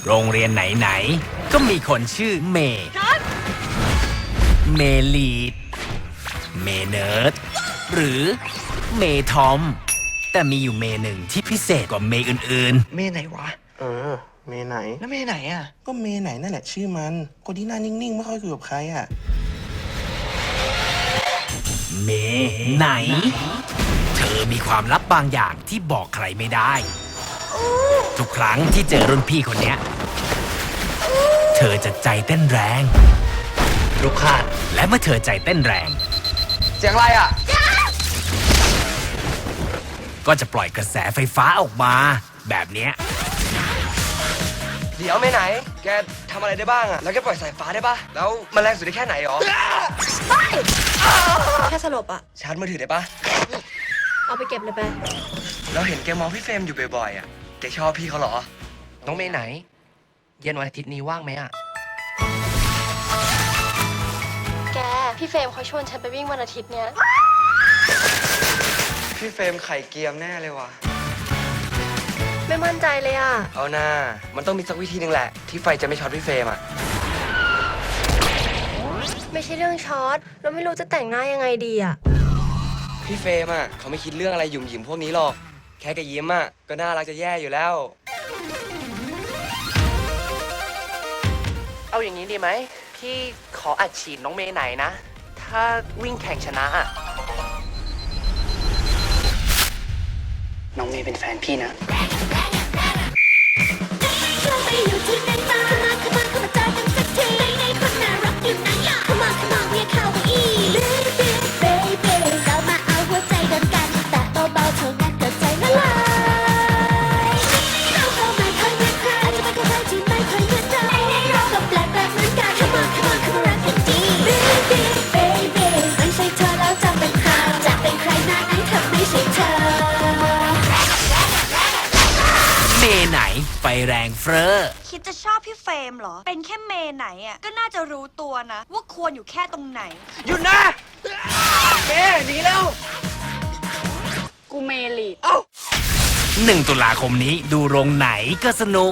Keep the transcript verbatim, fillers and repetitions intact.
โรงเรียนไหนๆก็มีคนชื่อเมย์เมลีดเมเนิร์ดหรือเมทอมแต่มีอยู่เมหนึ่งที่พิเศษกว่าเมอื่นเมย์ไหนวะเออ เมไหนแล้วเมย์ไหนอ่ะก็เมไหนนั่นแหละชื่อมัน คนที่หน้านิ่งๆ ไม่ค่อยคุยกับใครอ่ะๆ เมไหน เธอมีความลับบางอย่างที่บอกใครไม่ได้ ทุกครั้งที่เจอรุ่นพี่คนเนี้ยเธอจะใจเต้นแรงลูกคาดและเมื่อเธอใจเต้นแรงเสียงอะไรอ่ะก็จะปล่อยกระแสไฟฟ้าออกมาแบบเนี้ยเดี๋ยวเมย์ไหน แกทำอะไรได้บ้างอ่ะ แล้วแกปล่อยสายฟ้าได้ปะแล้วมันแรงสุดได้แค่ไหนหรอแค่สลบอะชาร์จมือถือได้ปะเอาไปเก็บเลยไปเราเห็นแกมองพี่เฟรมอยู่บ่อยๆอ่ะ แกชอบพี่เขาเหรอน้องเมย์ไหน เย็นวันอาทิตย์นี้ว่างไหมอ่ะแก พี่เฟรมเขาชวนฉันไปวิ่งวันอาทิตย์เนี้ยพี่เฟรมไข่เกียมแน่เลยว่ะไม่มั่นใจเลยอะเอาหน้า มันต้องมีสักวิธีหนึ่งแหละ ที่ไฟจะไม่ช็อตพี่เฟรมอ่ะไม่ใช่เรื่องช็อต เราไม่รู้จะแต่งหน้ายังไงดีอะพี่เฟรมอ่ะเขาไม่คิดเรื่องอะไรหยุ่มหยิมพวกนี้หรอก แค่แกยิ้มอ่ะก็น่ารักจะแย่อยู่แล้วเอาอย่างนี้ดีไหม พี่ขออัดฉีดน้องเมย์ไหนนะ ถ้าวิ่งแข่งชนะอ่ะ น้องเมย์เป็นแฟนพี่นะเราไปอยู่ที่ไหนมาเข้ามาเข้ามาเข้ามาเจอกันสักทีไหนๆคนน่ารักอยู่ไหนอ่ะเข้ามาเข้ามาเรียกเข้ามาอีก Baby baby เรามาเอาหัวใจเดินกันแต่เบาๆเท่านั้นก็ใจละลายเราก็ไม่ค่อยเหมือนใครอาจจะไม่ค่อยใครที่ไม่ค่อยเหมือนเราเราก็แปลกแปลกเหมือนกันเข้ามาเข้ามาเข้ามารักกันดี Baby baby ไม่ใช่เธอแล้วจะเป็นใครจะเป็นใครหน้าไหนถ้าไม่ใช่เธอเมไหนไฟแรงเฟ้อคิดจะชอบพี่เฟรมเหรอ เป็นแค่เมย์ไหนอ่ะ ก็น่าจะรู้ตัวนะ ว่าควรอยู่แค่ตรงไหนหยุดนะเมย์หนีแล้วกูเมลีดหนึ่งตุลาคมนี้ดูโรงไหนก็สนุก